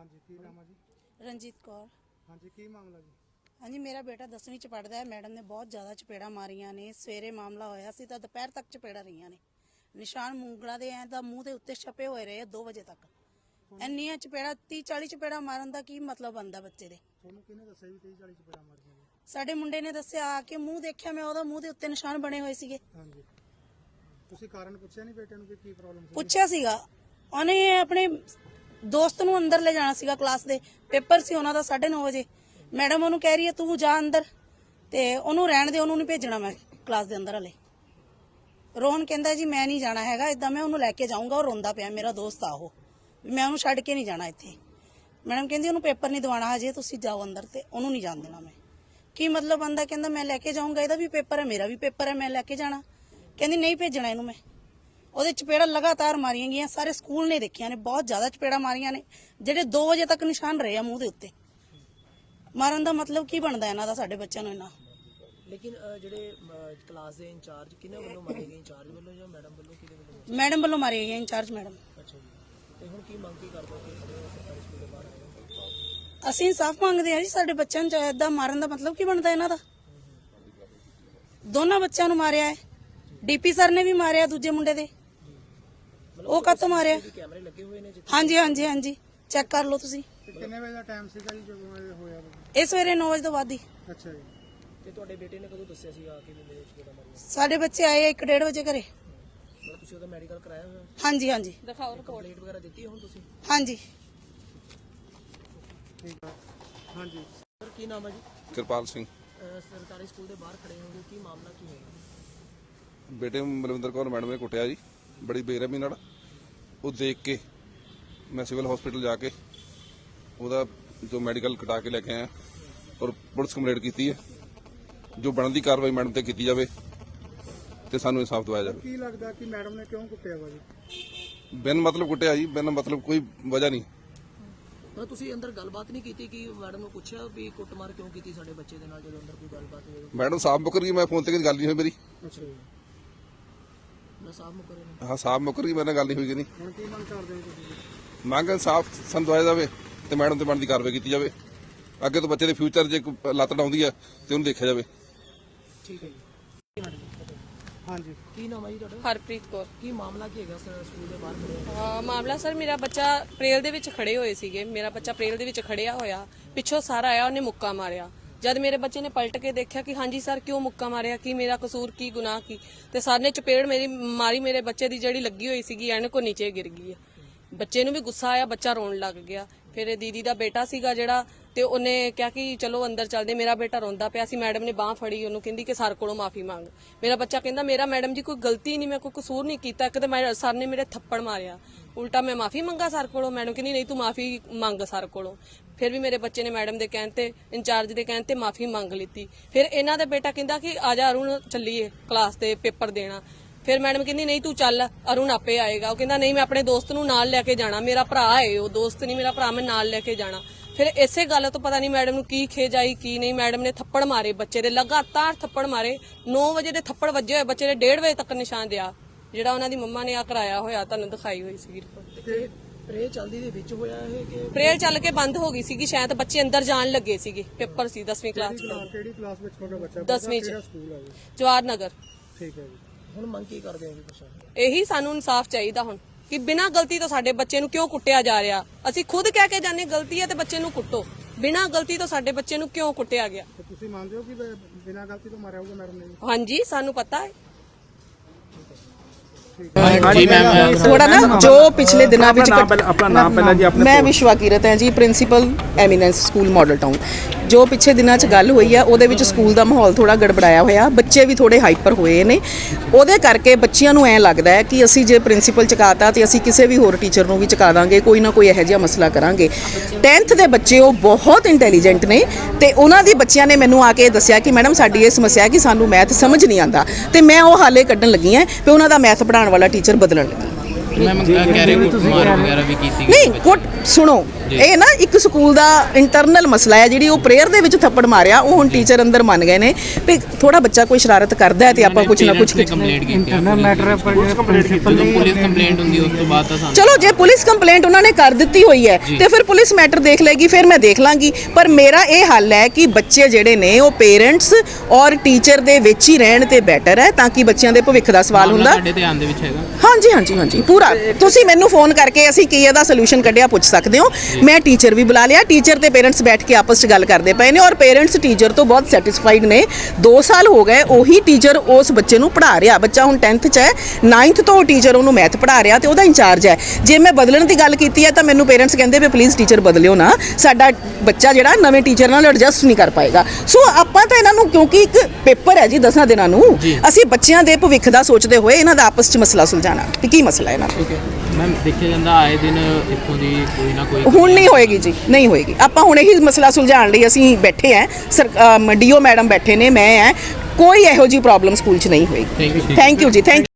हाँ जी की नाम है जी? रंजीत कौर। हाँ जी की मामला जी? हाँ जी, मेरा बेटा 10वीं च पढ़दा है। मैडम ने बहुत ज़्यादा चपेड़ा मारियां ने। सवेरे मामला होया सी तां दोपहर तक चपेड़ा रहीਆਂ ने। निशान मूंगला दे ਐਂ ਤਾਂ ਮੂੰਹ ਦੇ ਉੱਤੇ ਛਪੇ ਹੋਏ ਰਹੇ 2 ਵਜੇ ਤੱਕ। ਇੰਨੀਆਂ ਚਪੇੜਾ 30-40 ਚਪੇੜਾ ਮਾਰਨ ਦਾ ਕੀ ਮਤਲਬ ਬੰਦਾ ਬੱਚੇ ਦੇ? ਤੁਹਾਨੂੰ ਕਿਹਨੇ ਦੱਸਿਆ ਵੀ 30-40 ਚਪੇੜਾ ਮਾਰੀਆਂ ਨੇ? ਸਾਡੇ ਮੁੰਡੇ ਨੇ ਦੱਸਿਆ ਆ ਕੇ ਮੂੰਹ ਦੇਖਿਆ ਮੈਂ ਉਹਦਾ ਮੂੰਹ ਦੇ ਉੱਤੇ ਨਿਸ਼ਾਨ ਬਣੇ ਹੋਏ ਸੀਗੇ। हाँ जी ਤੁਸੀਂ ਕਾਰਨ ਪੁੱਛਿਆ ਨਹੀਂ ਬੇਟੇ ਨੂੰ ਕਿ ਕੀ ਪ੍ਰੋਬਲਮ ਸੀ? ਪੁੱਛਿਆ ਸੀਗਾ ਉਹਨੇ ਆਪਣੇ ਦੋਸਤ ਨੂੰ ਅੰਦਰ ਲੈ ਜਾਣਾ ਸੀਗਾ ਕਲਾਸ ਦੇ। ਪੇਪਰ ਸੀ ਉਹਨਾਂ ਦਾ 9:30 ਵਜੇ। ਮੈਡਮ ਉਹਨੂੰ ਕਹਿ ਰਹੀ ਹੈ ਤੂੰ ਜਾ ਅੰਦਰ ਤੇ ਉਹਨੂੰ ਰਹਿਣ ਦੇ, ਉਹਨੂੰ ਨਹੀਂ ਭੇਜਣਾ ਮੈਂ ਕਲਾਸ ਦੇ ਅੰਦਰ ਹਲੇ। ਰੋਹਨ ਕਹਿੰਦਾ ਜੀ ਮੈਂ ਨਹੀਂ ਜਾਣਾ ਹੈਗਾ, ਇਦਾਂ ਮੈਂ ਉਹਨੂੰ ਲੈ ਕੇ ਜਾਊਂਗਾ। ਉਹ ਰੋਂਦਾ ਪਿਆ, ਮੇਰਾ ਦੋਸਤ ਆ ਉਹ, ਮੈਂ ਉਹਨੂੰ ਛੱਡ ਕੇ ਨਹੀਂ ਜਾਣਾ ਇੱਥੇ। ਮੈਡਮ ਕਹਿੰਦੀ ਉਹਨੂੰ ਪੇਪਰ ਨਹੀਂ ਦਿਵਾਉਣਾ ਹਜੇ, ਤੁਸੀਂ ਜਾਓ ਅੰਦਰ ਤੇ ਉਹਨੂੰ ਨਹੀਂ ਜਾਣ ਦੇਣਾ ਮੈਂ। ਕੀ ਮਤਲਬ ਬੰਦਾ ਕਹਿੰਦਾ ਮੈਂ ਲੈ ਕੇ ਜਾਊਂਗਾ, ਇਹਦਾ ਵੀ ਪੇਪਰ ਹੈ ਮੇਰਾ ਵੀ ਪੇਪਰ ਹੈ, ਮੈਂ ਲੈ ਕੇ ਜਾਣਾ। ਕਹਿੰਦੀ ਨਹੀਂ ਭੇਜਣਾ ਇਹਨੂੰ ਮੈਂ। ਉਹਦੇ ਚਪੇੜਾ ਲਗਾਤਾਰ ਮਾਰੀਆਂ ਗਈਆਂ, ਸਾਰੇ ਸਕੂਲ ਨੇ ਦੇਖਿਆ ਨੇ, ਬਹੁਤ ਜ਼ਿਆਦਾ ਚਪੇੜਾ ਮਾਰੀਆਂ ਨੇ, ਜਿਹੜੇ 2 ਵਜੇ ਤੱਕ ਨਿਸ਼ਾਨ ਰਹੇ ਆ ਮੂੰਹ ਦੇ ਉੱਤੇ। ਮਾਰਨ ਦਾ ਮਤਲਬ ਕੀ ਬਣਦਾ ਇਹਨਾਂ ਦਾ ਸਾਡੇ ਬੱਚਿਆਂ ਨੂੰ ਇਹਨਾਂ? ਲੇਕਿਨ ਜਿਹੜੇ ਕਲਾਸ ਦੇ ਇੰਚਾਰਜ ਕਿਹਨਾਂ ਵੱਲੋਂ ਮਾਰੇ ਗਏ? ਇੰਚਾਰਜ ਵੱਲੋਂ ਜਾਂ ਮੈਡਮ ਵੱਲੋਂ? ਕਿਹਦੇ ਵੱਲੋਂ? ਮੈਡਮ ਵੱਲੋਂ ਮਾਰੇ ਗਏ, ਇੰਚਾਰਜ ਮੈਡਮ। ਅੱਛਾ ਜੀ, ਤੇ ਹੁਣ ਕੀ ਮੰਗ ਕੀ ਕਰਦੇ ਹੋ ਕਿ ਸਰਕਾਰੀ ਸਕੂਲ ਦੇ ਬਾਹਰ ਆਏ? ਅਸੀਂ ਇਨਸਾਫ ਮੰਗਦੇ ਹਾਂ ਜੀ, ਸਾਡੇ ਬੱਚਿਆਂ ਨੂੰ ਏਦਾਂ ਮਾਰਨ ਦਾ ਮਤਲਬ ਕੀ ਬਣਦਾ ਇਹਨਾਂ ਦਾ? ਦੋਨਾਂ ਬੱਚਿਆਂ ਨੂੰ ਮਾਰਿਆ ਹੈ, ਡੀਪੀ ਸਰ ਨੇ ਵੀ ਮਾਰਿਆ ਦੂਜੇ ਮੁੰਡੇ ਦੇ। ਉਹ ਕਾਹਤੋਂ ਮਾਰਿਆ? ਕੈਮਰੇ ਲੱਗੇ ਹੋਏ ਨੇ ਜਿੱਥੇ? ਹਾਂਜੀ ਹਾਂਜੀ ਹਾਂਜੀ, ਚੈੱਕ ਕਰ ਲਓ ਤੁਸੀਂ। ਕਿੰਨੇ ਵਜੇ ਦਾ ਟਾਈਮ ਸੀਗਾ ਜੀ ਜਦੋਂ ਇਹ ਹੋਇਆ? ਇਹ ਸਵੇਰੇ 9 ਵਜੇ ਤੋਂ ਬਾਅਦ ਹੀ। ਅੱਛਾ ਜੀ ਤੇ ਤੁਹਾਡੇ ਬੇਟੇ ਨੇ ਕਦੋਂ ਦੱਸਿਆ ਸੀ ਆ ਕੇ ਵੀ ਮੇਰੇ ਚਪੇੜਾ ਮਾਰੀਆਂ? ਸਾਡੇ ਬੱਚੇ ਆਏ 1-1:30 ਵਜੇ ਘਰੇ। ਮਤਲਬ ਤੁਸੀਂ ਉਹਦਾ ਮੈਡੀਕਲ ਕਰਾਇਆ ਹੋਇਆ? ਹਾਂਜੀ ਹਾਂਜੀ ਦਿਖਾਓ ਰਿਪੋਰਟ। ਕੰਪਲੀਟ ਵਗੈਰਾ ਦਿੱਤੀ ਹੁਣ ਤੁਸੀਂ? ਹਾਂਜੀ। ਠੀਕ ਹੈ। हाँ जी ਸਰ ਕੀ ਨਾਮ ਹੈ ਜੀ? ਕਿਰਪਾਲ ਸਿੰਘ। ਸਰਕਾਰੀ ਸਕੂਲ ਦੇ ਬਾਹਰ ਖੜੇ ਹੋਗੇ, ਕੀ ਮਾਮਲਾ ਕੀ ਹੋਇਆ? ਬੇਟੇ ਨੂੰ ਮਲਵਿੰਦਰ ਕੌਰ ਮੈਡਮ ਨੇ ਕੁੱਟਿਆ ਜੀ ਬੜੀ ਬੇਰਹਿਮੀ ਨਾਲ। ਉਹ ਦੇਖ ਕੇ ਮੈਂ ਸਿਵਲ ਹਸਪੀਟਲ ਜਾ ਕੇ ਉਹਦਾ ਜੋ ਮੈਡੀਕਲ ਕਟਾ ਕੇ ਲੈ ਕੇ ਆਇਆ ਔਰ ਪੁਲਿਸ ਕੰਪਲੇਂਟ ਕੀਤੀ ਹੈ। ਜੋ ਬਣਦੀ ਕਾਰਵਾਈ ਮੈਡਮ ਤੇ ਕੀਤੀ ਜਾਵੇ ਤੇ ਸਾਨੂੰ ਇਨਸਾਫ ਦਿਵਾਇਆ ਜਾਵੇ। ਕੀ ਲੱਗਦਾ ਕਿ ਮੈਡਮ ਨੇ ਕਿਉਂ ਕੁੱਟਿਆ ਵਾ ਜੀ? ਬਿਨ ਮਤਲਬ ਕੁੱਟਿਆ ਜੀ, ਬਿਨ ਮਤਲਬ ਕੋਈ ਵਜ੍ਹਾ ਨਹੀਂ। ਮਤਲਬ ਤੁਸੀਂ ਅੰਦਰ ਗੱਲਬਾਤ ਨਹੀਂ ਕੀਤੀ ਕਿ ਮੈਡਮ ਨੂੰ ਪੁੱਛਿਆ ਵੀ ਕੁੱਟਮਾਰ ਕਿਉਂ ਕੀਤੀ ਸਾਡੇ ਬੱਚੇ ਦੇ ਨਾਲ ਜਦੋਂ ਅੰਦਰ ਕੋਈ ਗੱਲਬਾਤ ਹੋਈ? ਮੈਡਮ ਸਾਫ਼ ਮੁੱਕਰ ਗਈ, ਮੈਂ ਫੋਨ ਤੇ ਕਦੀ ਗੱਲ ਨਹੀਂ ਹੋਈ ਮੇਰੀ। ਅੱਛਾ ਜੀ, ਮੈਂ ਸਾਫ ਮੁਕਰੇ ਨੇ। ਹਾਂ ਸਾਫ਼ ਮੁੱਕਰ ਗਈ, ਮੇਰੇ ਨਾਲ ਗੱਲ ਨਹੀਂ ਹੋਈ ਕਿ ਨਹੀਂ। ਹੁਣ ਕੀ ਮੰਗ ਕਰਦੇ ਹੋ ਤੁਸੀਂ? ਮੰਗ ਇਨਸਾਫ ਸਾਨੂੰ ਦਿਵਾਇਆ ਜਾਵੇ ਤੇ ਮੈਡਮ ਤੇ ਬਣਦੀ ਕਾਰਵਾਈ ਕੀਤੀ ਜਾਵੇ। ਅੱਗੇ ਤੋਂ ਬੱਚੇ ਦੇ ਫਿਊਚਰ ਜੇ ਕੋਈ ਲੱਤ ਡਾਉਂਦੀ ਹੈ ਤੇ ਉਹਨੂੰ ਦੇਖਿਆ ਜਾਵੇ। ਠੀਕ ਹੈ ਜੀ। हाँ जी ਕੀ ਨਾਮ ਹੈ ਜੀ ਤੁਹਾਡਾ? ਹਰਪ੍ਰੀਤ ਕੌਰ। ਕੀ ਮਾਮਲਾ ਕੀ ਹੈਗਾ ਸਰ ਸਕੂਲ ਦੇ ਬਾਹਰ ਖੜੇ ਹੋ? ਮਾਮਲਾ ਸਰ ਮੇਰਾ ਬੱਚਾ ਪ੍ਰੇਲ ਦੇ ਵਿੱਚ ਖੜੇ ਹੋਏ ਸੀਗੇ। ਮੇਰਾ ਬੱਚਾ ਪ੍ਰੇਲ ਦੇ ਵਿੱਚ ਖੜਿਆ ਹੋਇਆ, ਪਿੱਛੋਂ ਸਰ ਆਇਆ, ਉਹਨੇ ਮੁੱਕਾ ਮਾਰਿਆ। ਜਦ ਮੇਰੇ ਬੱਚੇ ਨੇ ਪਲਟ ਕੇ ਦੇਖਿਆ ਕਿ ਹਾਂਜੀ ਸਰ ਕਿਉਂ ਮੁੱਕਾ ਮਾਰਿਆ, ਕੀ ਮੇਰਾ ਕਸੂਰ, ਕੀ ਗੁਨਾਹ ਕੀ, ਤੇ ਸਰ ਨੇ ਚਪੇੜ ਮੇਰੀ ਮਾਰੀ। ਮੇਰੇ ਬੱਚੇ ਦੀ ਜਿਹੜੀ ਲੱਗੀ ਹੋਈ ਸੀਗੀ ਐਨਕ ਨੀਚੇ ਗਿਰ ਗਈ ਹੈ। ਬੱਚੇ ਨੂੰ ਵੀ ਗੁੱਸਾ ਆਇਆ, ਬੱਚਾ ਰੋਣ ਲੱਗ ਗਿਆ। ਫਿਰ ਦੀਦੀ ਦਾ ਬੇਟਾ ਸੀਗਾ ਜਿਹੜਾ, ਤੇ ਉਹਨੇ ਕਿਹਾ ਕਿ ਚਲੋ ਅੰਦਰ ਚੱਲਦੇ। ਮੇਰਾ ਬੇਟਾ ਰੋਂਦਾ ਪਿਆ ਸੀ, ਮੈਡਮ ਨੇ ਬਾਹ ਫੜੀ ਉਹਨੂੰ, ਕਹਿੰਦੀ ਕਿ ਸਰ ਕੋਲੋਂ ਮਾਫੀ ਮੰਗ। ਮੇਰਾ ਬੱਚਾ ਕਹਿੰਦਾ ਮੇਰਾ ਮੈਡਮ ਜੀ ਕੋਈ ਗਲਤੀ ਨਹੀਂ, ਮੈਂ ਕੋਈ ਕਸੂਰ ਨਹੀਂ ਕੀਤਾ, ਇੱਕ ਤਾਂ ਸਰ ਨੇ ਮੇਰੇ ਥੱਪੜ ਮਾਰਿਆ, ਉਲਟਾ ਮੈਂ ਮਾਫੀ ਮੰਗਾ ਸਰ ਕੋਲੋਂ। ਮੈਡਮ ਕਹਿੰਦੀ ਨਹੀਂ ਤੂੰ ਮਾਫੀ ਮੰਗ ਸਰ ਕੋਲੋਂ। ਫਿਰ ਵੀ ਮੇਰੇ ਬੱਚੇ ਨੇ ਮੈਡਮ ਦੇ ਕਹਿਣ ਤੇ, ਇੰਚਾਰਜ ਦੇ ਕਹਿਣ ਤੇ ਮਾਫੀ ਮੰਗ ਲਿੱਤੀ। ਫਿਰ ਇਹਨਾਂ ਦਾ ਬੇਟਾ ਕਹਿੰਦਾ ਕਿ ਆ ਜਾ ਅਰੁਣ ਚੱਲੀਏ ਕਲਾਸ ਦੇ ਪੇਪਰ ਦੇਣਾ। ਫਿਰ ਮੈਡਮ ਕਹਿੰਦੀ ਨਹੀਂ ਤੂੰ ਚੱਲ, ਅਰੁਣ ਆਪੇ ਆਏਗਾ। ਉਹ ਕਹਿੰਦਾ ਨਹੀਂ ਮੈਂ ਆਪਣੇ ਦੋਸਤ ਨੂੰ ਨਾਲ ਲੈ ਕੇ ਜਾਣਾ, ਮੇਰਾ ਭਰਾ ਹੈ ਉਹ, ਦੋਸਤ ਨਹੀਂ ਮੇਰਾ ਭਰਾ, ਮੈਂ ਨਾਲ ਲੈ ਕੇ ਜਾਣਾ। ਫਿਰ ਇਸੇ ਗੱਲ ਤੋਂ ਪਤਾ ਨਹੀਂ ਮੈਡਮ ਨੂੰ ਕੀ ਖੇਜ ਆਈ ਕੀ ਨਹੀਂ, ਮੈਡਮ ਨੇ ਥੱਪੜ ਮਾਰੇ ਬੱਚੇ ਦੇ, ਲਗਾਤਾਰ ਥੱਪੜ ਮਾਰੇ। 9 ਵਜੇ ਦੇ ਥੱਪੜ ਵੱਜੇ ਹੋਏ ਬੱਚੇ ਦੇ, 1:30 ਵਜੇ ਤੱਕ ਨਿਸ਼ਾਨ ਦਿਆ ਜਿਹੜਾ ਉਹਨਾਂ ਦੀ ਮੰਮਾ ਨੇ ਆ ਕਰਾਇਆ ਹੋਇਆ, ਤੁਹਾਨੂੰ ਦਿਖਾਈ ਹੋਈ ਸੀ ਰਿਪੋਰਟ। ਤੇ ਪ੍ਰੇ ਚਲਦੀ ਦੇ ਵਿੱਚ ਹੋਇਆ ਇਹ ਕਿ ਪ੍ਰੇਅਰ ਚੱਲ ਕੇ ਬੰਦ ਹੋ ਗਈ ਸੀਗੀ, ਸ਼ਾਇਦ ਬੱਚੇ ਅੰਦਰ ਜਾਣ ਲੱਗੇ ਸੀਗੇ। ਪੇਪਰ ਸੀ 10ਵੀਂ ਕਲਾਸ ਦਾ। ਕਿਹੜੀ ਕਲਾਸ ਵਿੱਚ ਤੁਹਾਡਾ ਬੱਚਾ? 10ਵੀਂ ਚ। ਕਿਹੜਾ ਸਕੂਲ ਹੈ ਜੀ? ਜਵਾਹਰ ਨਗਰ। ਠੀਕ ਹੈ ਜੀ। ਹੁਣ ਮੰਗ ਕੀ ਕਰਦੇ ਹੋ ਜੀ ਤੁਸੀਂ? ਇਹੀ ਸਾਨੂੰ ਇਨਸਾਫ ਚਾਹੀਦਾ ਹੁਣ ਕਿ ਬਿਨਾਂ ਗਲਤੀ ਤੋਂ ਸਾਡੇ ਬੱਚੇ ਨੂੰ ਕਿਉਂ ਕੁੱਟਿਆ ਜਾ ਰਿਹਾ। ਅਸੀਂ ਖੁਦ ਕਹਿ ਕੇ ਜਾਂਦੇ ਗਲਤੀ ਹੈ ਤੇ ਬੱਚੇ ਨੂੰ ਕੁੱਟੋ, ਬਿਨਾਂ ਗਲਤੀ ਤੋਂ ਸਾਡੇ ਬੱਚੇ ਨੂੰ ਕਿਉਂ ਕੁੱਟਿਆ ਗਿਆ? ਤੇ ਤੁਸੀਂ ਮੰਨਦੇ ਹੋ ਕਿ ਬਿਨਾਂ ਗਲਤੀ ਤੋਂ ਮਾਰਿਆ ਹੋਊਗਾ ਮੈਡਮ ਨੇ? ਹਾਂਜੀ ਸਾਨੂੰ ਪਤਾ ਹੈ। जी मैम थोड़ा ना जो पिछले दिनों अपना नाम पहला जी अपने मैं विश्वा कीरत है जी, principal eminence school Model Town. ਜੋ ਪਿਛੇ ਦਿਨਾਂ 'ਚ ਗੱਲ ਹੋਈ ਆ ਉਹਦੇ ਵਿੱਚ ਸਕੂਲ ਦਾ ਮਾਹੌਲ ਥੋੜਾ ਗੜਬੜਾਇਆ ਹੋਇਆ, ਬੱਚੇ ਵੀ ਥੋੜੇ ਹਾਈਪਰ ਹੋਏ ਨੇ। ਉਹਦੇ ਕਰਕੇ ਬੱਚਿਆਂ ਨੂੰ ਐਂ ਲੱਗਦਾ ਹੈ ਕਿ ਅਸੀਂ ਜੇ ਪ੍ਰਿੰਸੀਪਲ ਚੁਕਾਤਾ ਤੇ ਅਸੀਂ ਕਿਸੇ ਵੀ ਹੋਰ ਟੀਚਰ ਨੂੰ ਵੀ ਚੁਕਾ ਦਾਂਗੇ, ਕੋਈ ਨਾ ਕੋਈ ਇਹੋ ਜਿਹਾ ਮਸਲਾ ਕਰਾਂਗੇ। 10th ਦੇ ਬੱਚੇ ਉਹ ਬਹੁਤ ਇੰਟੈਲੀਜੈਂਟ ਨੇ ਤੇ ਉਹਨਾਂ ਦੀ ਬੱਚਿਆਂ ਨੇ ਮੈਨੂੰ ਆ ਕੇ ਦੱਸਿਆ ਕਿ ਮੈਡਮ ਸਾਡੀ ਇਹ ਸਮੱਸਿਆ ਹੈ ਕਿ ਸਾਨੂੰ ਮੈਥ ਸਮਝ ਨਹੀਂ ਆਉਂਦਾ ਤੇ ਮੈਂ ਉਹ ਹਾਲੇ ਕੱਢਣ ਲੱਗੀ ਹਾਂ ਤੇ ਉਹਨਾਂ ਦਾ ਮੈਥ ਪੜ੍ਹਾਉਣ ਵਾਲਾ ਟੀਚਰ ਬਦਲਣ ਲੱਗੀ। ਮੈਮ ਕਹਿ ਰਹੇ ਕੁੱਟਮਾਰ ਵਗੈਰਾ ਵੀ ਕੀਤੀ ਨਹੀਂ ਕੁੱਟ ਸੁਣੋ ਇਹ ਨਾ ਇੱਕ ਸਕੂਲ ਦਾ ਇੰਟਰਨਲ ਮਸਲਾ ਹੈ। ਜਿਹੜੀ ਉਹ ਪ੍ਰੇਅਰ ਦੇ ਵਿੱਚ ਥੱਪੜ ਮਾਰਿਆ ਉਹ ਹੁਣ ਟੀਚਰ ਅੰਦਰ ਮੰਨ ਗਏ ਨੇ ਵੀ ਥੋੜਾ ਬੱਚਾ ਕੋਈ ਸ਼ਰਾਰਤ ਕਰਦਾ ਹੈ ਤੇ ਆਪਾਂ ਕੁਝ ਨਾ ਕੁਝ ਕੰਪਲੇਂਟ ਕੀਤੀ ਮੈਟਰ ਪਰ ਪੁਲਿਸ ਕੰਪਲੇਂਟ ਹੁੰਦੀ ਉਸ ਤੋਂ ਬਾਅਦ ਤਾਂ ਸਾਨੂੰ ਚਲੋ ਜੇ ਪੁਲਿਸ ਕੰਪਲੇਂਟ ਉਹਨਾਂ ਨੇ ਕਰ ਦਿੱਤੀ ਹੋਈ ਹੈ ਤੇ ਫਿਰ ਪੁਲਿਸ ਮੈਟਰ ਦੇਖ ਲੇਗੀ, ਫਿਰ ਮੈਂ ਦੇਖ ਲਾਂਗੀ। ਪਰ ਮੇਰਾ ਇਹ ਹੱਲ ਹੈ ਕਿ ਬੱਚੇ ਜਿਹੜੇ ਨੇ ਉਹ ਪੇਰੈਂਟਸ ਔਰ ਟੀਚਰ ਦੇ ਵਿੱਚ ਹੀ ਰਹਿਣ ਤੇ ਬੈਟਰ ਹੈ, ਤਾਂ ਕਿ ਬੱਚਿਆਂ ਦੇ ਭਵਿੱਖ ਦਾ ਸਵਾਲ ਹੁੰਦਾ। ਸਾਡੇ ਧਿਆਨ ਦੇ ਵਿੱਚ ਹੈਗਾ। ਹਾਂਜੀ ਹਾਂਜੀ ਹਾਂਜੀ ਪੂਰਾ। ਤੁਸੀਂ ਮੈਨੂੰ ਫੋਨ ਕਰਕੇ ਅਸੀਂ ਕੀ ਇਹਦਾ ਸੋਲੂਸ਼ਨ ਕੱਢਿਆ ਪੁੱਛ ਸਕਦੇ ਹੋ। ਮੈਂ ਟੀਚਰ ਵੀ ਬੁਲਾ ਲਿਆ, ਟੀਚਰ ਤੇ ਪੇਰੈਂਟਸ ਬੈਠ ਕੇ ਆਪਸ 'ਚ ਗੱਲ ਕਰਦੇ ਪਏ ਨੇ ਔਰ ਪੇਰੈਂਟਸ ਟੀਚਰ ਤੋਂ ਬਹੁਤ ਸੈਟੀਸਫਾਈਡ ਨੇ। 2 ਸਾਲ ਹੋ ਗਏ ਉਹੀ ਟੀਚਰ ਉਸ ਬੱਚੇ ਨੂੰ ਪੜ੍ਹਾ ਰਿਹਾ। ਬੱਚਾ ਹੁਣ 10th 'ਚ ਹੈ, 9th ਤੋਂ ਟੀਚਰ ਉਹਨੂੰ ਮੈਥ ਪੜ੍ਹਾ ਰਿਹਾ ਤੇ ਉਹਦਾ ਇੰਚਾਰਜ ਹੈ। ਜੇ ਮੈਂ ਬਦਲਣ ਦੀ ਗੱਲ ਕੀਤੀ ਹੈ ਤਾਂ ਮੈਨੂੰ ਪੇਰੈਂਟਸ ਕਹਿੰਦੇ ਵੀ ਪਲੀਜ਼ ਟੀਚਰ ਬਦਲਿਓ ਨਾ, ਸਾਡਾ ਬੱਚਾ ਜਿਹੜਾ ਨਵੇਂ ਟੀਚਰ ਨਾਲ ਐਡਜਸਟ ਨਹੀਂ ਕਰ ਪਾਏਗਾ। ਸੋ ਆਪਾਂ ਤਾਂ ਇਹਨਾਂ ਨੂੰ, ਕਿਉਂਕਿ ਇੱਕ ਪੇਪਰ ਹੈ ਜੀ 10 ਦਿਨਾਂ ਨੂੰ, ਅਸੀਂ ਬੱਚਿਆਂ ਦੇ ਭਵਿੱਖ ਦਾ ਸੋਚਦੇ ਹੋਏ ਇਹਨਾਂ ਦਾ ਆਪਸ 'ਚ ਮਸਲਾ ਸੁਲਝਾਉਣਾ ਕਿ ਕੀ ਮਸਲਾ ਹੈ ਇਹਨਾਂ ਦਾ। ਮੈਮ ਦੇਖਿਆ ਜਾਂਦਾ ਆਏ ਦਿਨ ਇੱਥੋਂ ਦੀ ਕੋਈ ਨਾ ਕੋਈ ਹੁਣ ਨਹੀਂ ਹੋਏਗੀ ਜੀ, ਨਹੀਂ ਹੋਏਗੀ। ਆਪਾਂ ਹੁਣ ਇਹੀ ਮਸਲਾ ਸੁਲਝਾਉਣ ਲਈ ਅਸੀਂ ਬੈਠੇ ਹਾਂ, ਡੀਓ ਮੈਡਮ ਬੈਠੇ ਨੇ, ਮੈਂ ਹੈ, ਕੋਈ ਇਹੋ ਜਿਹੀ ਪ੍ਰੋਬਲਮ ਸਕੂਲ 'ਚ ਨਹੀਂ ਹੋਏਗੀ। ਥੈਂਕ ਯੂ ਜੀ, ਥੈਂਕ